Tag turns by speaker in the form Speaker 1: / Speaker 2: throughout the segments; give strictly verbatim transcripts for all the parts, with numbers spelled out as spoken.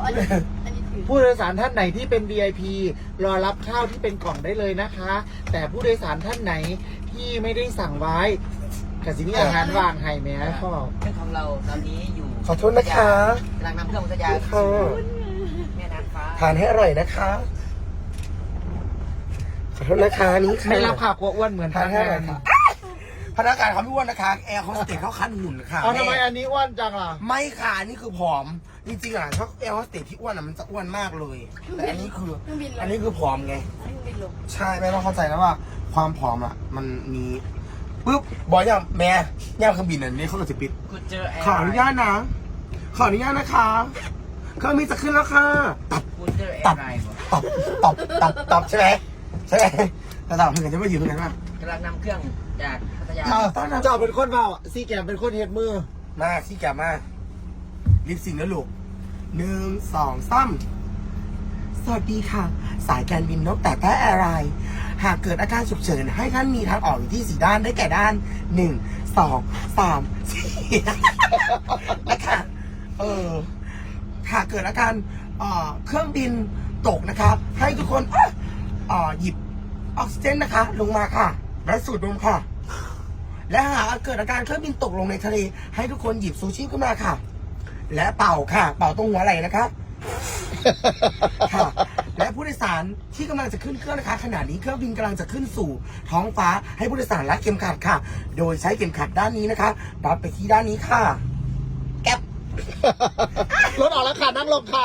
Speaker 1: อันนี้อันนี้ถือ
Speaker 2: ผู้โดยสารท่านไหนที่เป็น วี ไอ พี รอรับข้าวที่เป็นกล่องได้เลยนะคะ แต่ผู้โดยสารท่านไหนที่ไม่ได้สั่งไว้กสิมีอาหารวางให้แม่พ่อ
Speaker 3: เครื่องของเราตอนนี้อยู่
Speaker 4: ขอโทษนะคะ
Speaker 3: กำลังนำเครื่องพัทยา
Speaker 4: ค่ะ
Speaker 3: แม่น้ำฟ้า
Speaker 4: ทานให้อร่อยนะคะขอโทษนะคะนี่ค่ะ
Speaker 2: ไม่รับข่าวกลัวอ้วนเหมือน
Speaker 4: ทาน
Speaker 2: พ
Speaker 4: ให้
Speaker 2: นัก
Speaker 4: อร่
Speaker 2: งา
Speaker 4: อย
Speaker 2: น
Speaker 4: ค่ะพนักงานเขาไม่อ้วนนะคะแอร์โฮสเตสเขาคันหุ่นค่ะ
Speaker 2: เอาทำไม
Speaker 4: แ
Speaker 2: อันนี้อ้วนจังล่ะ
Speaker 4: ไม่ค่ะนี่คือผอมจริงๆอ่ะถ้าแอร์โฮสเตสที่อ้วนอ่ะมันจะอ้วนมากเลย แต่อันนี้คืออันนี้คือผอมไง
Speaker 1: เครื่องบินลง
Speaker 4: ใช่แม่ต้องเข้าใจนะว่า ความผอมอ่ะ มันมีปุ๊บบอกยังแม่ย่างเครื่องบินอันนี้เขาจะปิด
Speaker 3: กูเจอแอร์
Speaker 4: ขออนุญาตนะ ขออนุญาตนะคะเครื่องบินจะขึ้นแล้วค่ะตับ
Speaker 3: กูเจอแอ
Speaker 4: ตับ
Speaker 3: ร์ไรบ่
Speaker 4: ตับตับตับตับใช่ไหมใช่ไหมแต่ตับเพื่อนจะไม่อยู่ตรงไหนบ้าง
Speaker 3: กำลังนำเครื่องจากพัทยา
Speaker 4: เออตอนนั้น
Speaker 2: เจ้าเป็นคนเบาซีแกมเป็นคนเฮ็ดมือ
Speaker 4: มาที่แกมาลิปซิงค์นะลูกหนึ่งสองสามสวัสดีค่ะ สายการบินนกแต่แต้แอร์ไลน์หากเกิดอาการฉุกเฉินให้ท่านมีทางออกอยู่ที่สี่ด้านได้แก่ด้านหนึ่งสองสามสี่นะคะเออหากเกิดอาการเอ่อเครื่องบินตกนะครับ ให้ทุกคนเอ่อหยิบออกซิเจนนะคะ ลงมาค่ะ และสูดดมค่ะ และหากเกิดอาการเครื่องบินตกลงในทะเลให้ทุกคนหยิบซูชิขึ้นมาค่ะ และเป่าค่ะ เป่าตรงหัวไหล่นะคะค่ะ และผู้โดยสารที่กำลังจะขึ้นเครื่องนะคะขณะนี้เครื่องบินกำลังจะขึ้นสู่ท้องฟ้าให้ผู้โดยสารรัดเข็มขัดค่ะ โดยใช้เข็มขัดด้านนี้นะคะรัดไปที่ด้านนี้ค่ะ แก๊ป
Speaker 2: รถออกแล้วค่ะนั่งลงค่ะ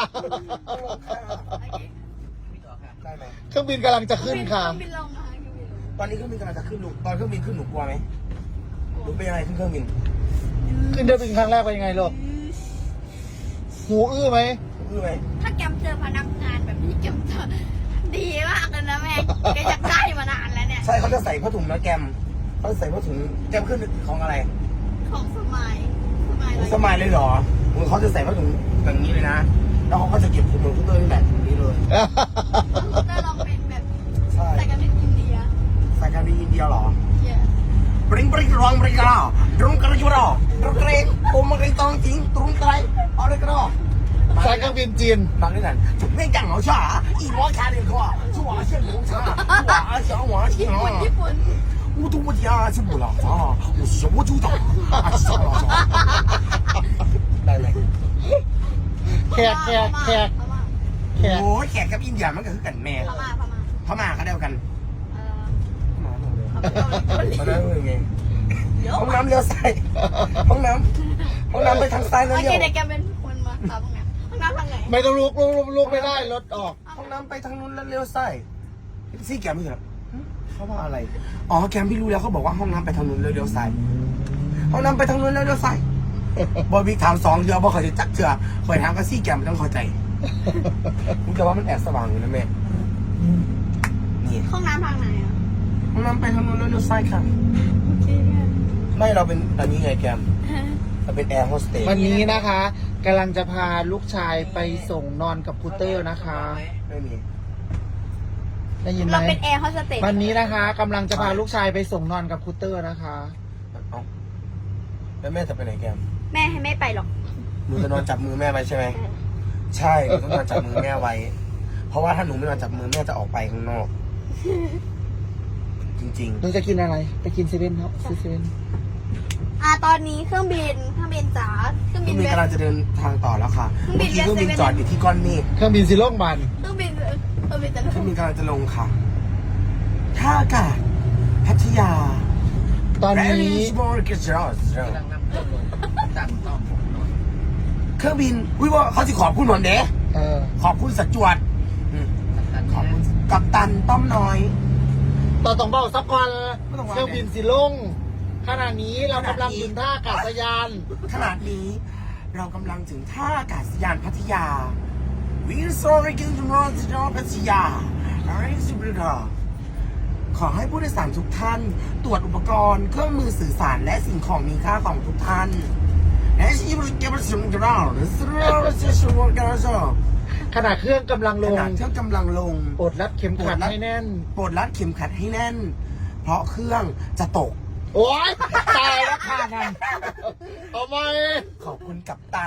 Speaker 4: ได้ไหม
Speaker 2: เครื่องบินกำลังจะขึ้นค่ะ
Speaker 1: เครื่องบินลงมาเครื่องบินลง
Speaker 4: ตอนนี้เครื่องบินกำลังจะขึ้นลูกตอนเครื่องบินขึ้นหนูกลัวไหมหนูเป็นยังไงขึ้นเครื่องบิน
Speaker 2: ขึ้นเครื่องบินครั้งแรกเป็นยังไงลูกหูอื้อไหม
Speaker 4: คือไหม
Speaker 1: ถ้าแกมเจอพนักงานแบบนี้แกมจะดีมากเลยนะแม่แกอยากได้มานานแล้วเนี่ย
Speaker 4: ใช่เขาจะใส่ผ้าถุงนะแกมเขาจะใส่ผ้าถุงแกมขึ้นของอะไร
Speaker 1: ของสมัยสมัย
Speaker 4: สมัยเลยเหรอมึงเขาจะใส่ผ้าถุงแบบนี้เลยนะ แล้วเขาก็จะเก็บถุงมือขึ้นเลยแบบนี้เลย
Speaker 1: จะลองเป็นแบบ
Speaker 4: ใช่
Speaker 1: ใส่กันเป็นอินเดีย
Speaker 4: ใส่การบินอินเดียเหรอ
Speaker 1: เยอะ
Speaker 4: ปริงปริงรองปริงกระดรุงกระจุรอตรุงกระเรงโอมกระตองจริงตรุงกระไรเอาเลยกระดอ
Speaker 2: สายเครื่องบินจีน
Speaker 4: ฟังด้วยกันจุดไม่กังเหรอช่าอีหมอคาเรียนเขาชั่วเชี่ยหลงชาชั่วเชี่ยหวานเชี่ย
Speaker 1: ญี่ปุ่นญี่ปุ่น
Speaker 4: 乌都不家是不老啊，我什么都懂啊，少了少。ได้ไหม
Speaker 2: แขกแขกแขก
Speaker 1: พม่า
Speaker 2: แขก
Speaker 4: โอ้ยแขกกับอินเดียมันก็คือกันแม่
Speaker 1: พม่าพม่า
Speaker 4: พม่าก็เดียวกัน
Speaker 1: เออ
Speaker 4: พม่าเลย
Speaker 1: เอาไปเอาไป
Speaker 4: มาได้เลยไง
Speaker 1: เดี๋ยว
Speaker 4: ห้องน้ำเลี้ยวซ้ายห้องน้ำห้องน้ำไปทางซ้ายแล้ว
Speaker 1: โอ
Speaker 4: เลี้
Speaker 1: เค
Speaker 4: ยว
Speaker 1: เดี๋ยวแกเป็นคนมาตามตรงนี้ห้องน้ำทางไหน
Speaker 2: ไม่ต้องลุกลุกลุกลุกไม่ได้รถออก
Speaker 4: ห้องน้ำไปทางนู้นแล้วเลี้ยวซ้ายซี่แกไม่เหรอเขาว่าอะไรอ๋อแกมพี่รู้แล้วเขาบอกว่าห้องน้ำไปทางนู้นแล้วเลี้ยวซ้ายห้องน้ำไปทางนู้นแล้วเลี้ยวซ้ายบอยบิ๊กถามสองเดือนบอกเขาจะจักเถื่อคอยถามก็ซี่แกมไม่ต้องเข้าใจมึงจะว่ามันแอบสว่างอยู่นะแม่นี่
Speaker 1: ห้องน้ำทางไหนอ่ะ
Speaker 4: ห้องน้ำไปทางนู้นแล้วเลี้ยวซ้ายค่ะ
Speaker 1: โอเคเนี่ย
Speaker 4: ไม่เราเป็นตอนนี้ไงแกมเราเป็นแอร์โฮสเตส
Speaker 2: วันนี้นะคะกำลังจะพาลูกชายไปส่งนอนกับคูเตอร์นะคะ
Speaker 4: ไม่มี
Speaker 2: ได้ยินไหม
Speaker 1: เราเป็นแอร์โฮสเตส
Speaker 2: วันนี้นะคะกำลังจะพาลูกชายไปส่งนอนกับคูเตอร์นะคะ
Speaker 4: เอ้าแล้วแม่จะไปไหนแกม
Speaker 1: แม่ให้ไม่ไปหรอก
Speaker 4: หนูจะนอนจับมือแม่ไว้ใช่ไหมใช่หนูต้องนอนจับมือแม่ไว้ เพราะว่าถ้าหนูไม่นอนจับมือแม่จะออกไปข้างนอก จริง
Speaker 2: หนูจะกินอะไรไปกินเซเว่นเนาะซื้อเซเว่น
Speaker 1: อ่าตอนนี้เครื่องบินเครื่องบินจ๋าเครื่อง
Speaker 4: ๆ
Speaker 1: บิ
Speaker 4: พี่
Speaker 1: น
Speaker 4: มี
Speaker 1: เว
Speaker 4: กำลังจะเดินทางต่อแล้วค่ะ
Speaker 1: เครื่องบิ
Speaker 4: เมื่อน กี้เครื่องบิน
Speaker 1: เวส
Speaker 4: จอดอยู่ที่ก้อนเมฆ
Speaker 2: เครื่องบินสีโล่งบัน
Speaker 1: เครื่องบินเครื่องบินจะ
Speaker 4: เครื่องบินกำลังจะลงค่ะท่าอากาศพัทยา
Speaker 2: ตอนนี้
Speaker 4: Very small girls
Speaker 3: กำลังนำเครื่องลงจากต้องผมนอน
Speaker 4: เครื่องบินอุ้ยว่าเขาจะขอบคุณหนอนเด้
Speaker 2: เออ
Speaker 4: ขอบคุณสัจจวดอืม
Speaker 3: ตัด
Speaker 4: ขอบคุณกัปตันต้อมน้อย
Speaker 2: ต่อต้องเบาสักวัน
Speaker 4: ไม่ต้องว่า
Speaker 2: เครื่องบินสีลงขณะนี้เรากำลังถึงท่าอากาศยาน
Speaker 4: ขนาดนี้เรากำลังถึงท่าอากาศยานพัทยาวินซอริกินจุนอจินอพัทยาอะไรสิบริกาขอให้ผู้โดยสารทุกท่าน ตรวจอุปกรณ์เครื่องมือสื่อสารและสิ่งของมีค่าของทุกท่านและที่บริการสิ่งกระเราสิ่งเราจะช่วยกันเรา
Speaker 2: ขณะเครื่องกำลังล
Speaker 4: ข
Speaker 2: ง
Speaker 4: ณะเครื่องกำลังลง
Speaker 2: ปลดรัดเข็มขัดให้แน่น
Speaker 4: ปลดรัดเข็มขัดให้แน่น เพราะเครื่องจะตก
Speaker 2: โอ๊ยตายแล้วค่ะนั่นทำไม
Speaker 4: ขอบคุณกัปตัน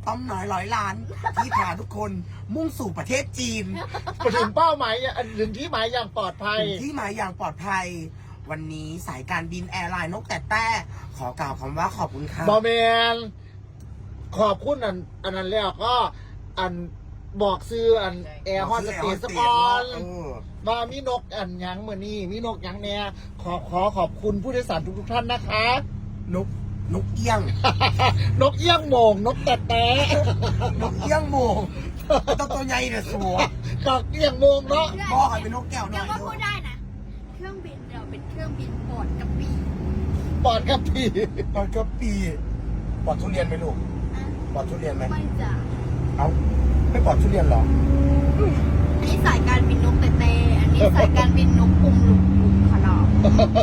Speaker 4: ต้อมน้อยร้อยล้าน ที่พาทุกคนมุ่งสู่ประเทศจีน
Speaker 2: ไปถึงเป้าหมายอันถึงที่หมายอย่างปลอดภัย
Speaker 4: ถึงที่หมายอย่างปลอดภัย วันนี้สายการบินแอร์ไลน์นกแต่แต่ขอกล่าวคำว่าขอบคุณค่ะ
Speaker 2: บอแมนขอบคุณอันอันนั้นแล้วก็อันบอกซื้ออันแอร์ฮอสเตสก่อน
Speaker 4: เออ
Speaker 2: ว่ามีนกอันหยังเมื่อนี้มีนกหยังแน่ขอขอขอบคุณผู้โดยสารทุกๆท่านนะคะ
Speaker 4: นกนกเอี้ยง
Speaker 2: นกเอี้ยงโหมงนกแต่แต่
Speaker 4: นกเอี้ยงโมงตัวตัวใหญ่เนี่ยสัว
Speaker 2: นกเอี้ยงโหมงเนาะ
Speaker 4: บอกให้เป็นนกแก้วหน่
Speaker 1: เดี๋
Speaker 4: อย
Speaker 1: ยวว่าพูดได้นะ เครื่องบินเราเป็นเครื่องบินโปรดกระปี
Speaker 2: ปอดกับพี่
Speaker 4: ตอนก็ปีปอดทุเรียนไหมลูก
Speaker 1: อ่ะ
Speaker 4: ปอดทุเรียนไหม
Speaker 1: ไม่จ้ะ
Speaker 4: เอ้าไม่ปอดทุเรียนเหรอ
Speaker 1: อันนี้สายการบินนกแต่แต่อันนี้สายการบินนกอุ้มลุมอุ้มคลอม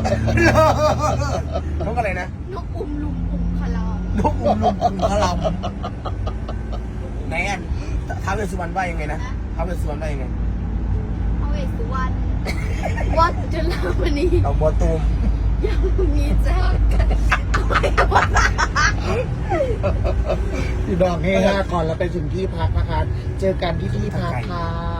Speaker 4: นกอะไรนะ
Speaker 1: นกอุ้มลุมอุ้มคลอม
Speaker 4: นกอุ้มลุมอุ้มพลัมไหนอันท้าวเวสสุวรรณว่ายังไงนะท้าวเวสสุวรรณว่ายังไง
Speaker 1: พระเวสสุวรรณวัดจุฬามณี
Speaker 4: เอาบัวตูม
Speaker 1: ยังมีเจอกันเอาไว้วัน
Speaker 2: พี่น้องเฮฮาก่อนแล้วไปถึงที่พักนะคะ เจอกันที่ที่พักค่ะ